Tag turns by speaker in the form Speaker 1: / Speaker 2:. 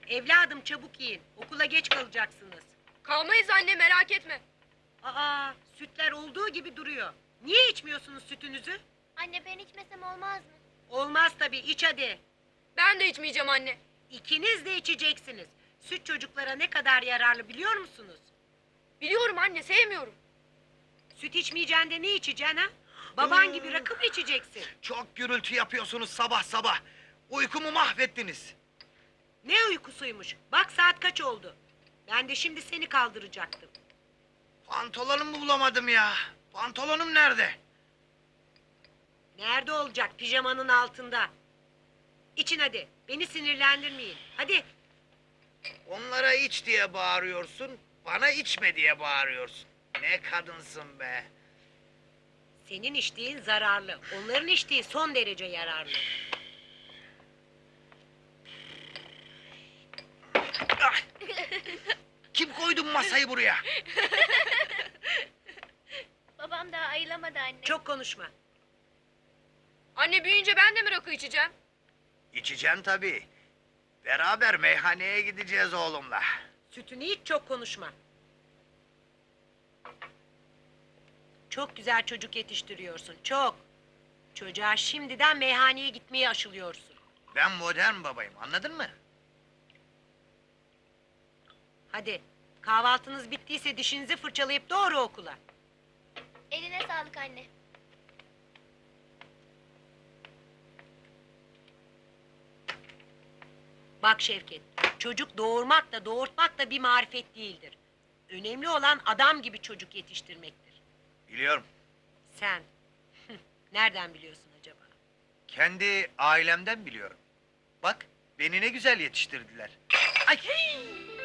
Speaker 1: Evladım çabuk yiyin. Okula geç kalacaksınız.
Speaker 2: Kalmayız anne, merak etme.
Speaker 1: Aa, sütler olduğu gibi duruyor. Niye içmiyorsunuz sütünüzü?
Speaker 3: Anne ben içmesem olmaz mı?
Speaker 1: Olmaz tabii, iç hadi.
Speaker 2: Ben de içmeyeceğim anne.
Speaker 1: İkiniz de içeceksiniz. Süt çocuklara ne kadar yararlı biliyor musunuz?
Speaker 2: Biliyorum anne, sevmiyorum.
Speaker 1: Süt içmeyeceksin de ne içeceksin ha? Baban gibi rakı mı içeceksin?
Speaker 4: Çok gürültü yapıyorsunuz sabah sabah. Uykumu mahvettiniz.
Speaker 1: Ne uykusuymuş? Bak saat kaç oldu. Ben de şimdi seni kaldıracaktım.
Speaker 4: Pantolonumu bulamadım ya. Pantolonum nerede?
Speaker 1: Nerede olacak? Pijamanın altında. İçin hadi. Beni sinirlendirmeyin. Hadi.
Speaker 4: Onlara iç diye bağırıyorsun, bana içme diye bağırıyorsun. Ne kadınsın be.
Speaker 1: Senin içtiğin zararlı. Onların içtiği son derece yararlı.
Speaker 4: Ah! Kim koydu bu masayı buraya?
Speaker 3: Babam daha ayılamadı anne.
Speaker 1: Çok konuşma.
Speaker 2: Anne büyüyünce ben de mi rakı içeceğim?
Speaker 4: İçeceğim tabii. Beraber meyhaneye gideceğiz oğlumla.
Speaker 1: Sütünü iç, çok konuşma. Çok güzel çocuk yetiştiriyorsun. Çok. Çocuğa şimdiden meyhaneye gitmeye aşılıyorsun.
Speaker 4: Ben modern babayım, anladın mı?
Speaker 1: Hadi. Kahvaltınız bittiyse dişinizi fırçalayıp doğru okula.
Speaker 3: Eline sağlık anne.
Speaker 1: Bak Şevket, çocuk doğurmak da doğurtmak da bir marifet değildir. Önemli olan adam gibi çocuk yetiştirmektir.
Speaker 4: Biliyorum.
Speaker 1: Sen, nereden biliyorsun acaba?
Speaker 4: Kendi ailemden biliyorum. Bak, beni ne güzel yetiştirdiler. Ay!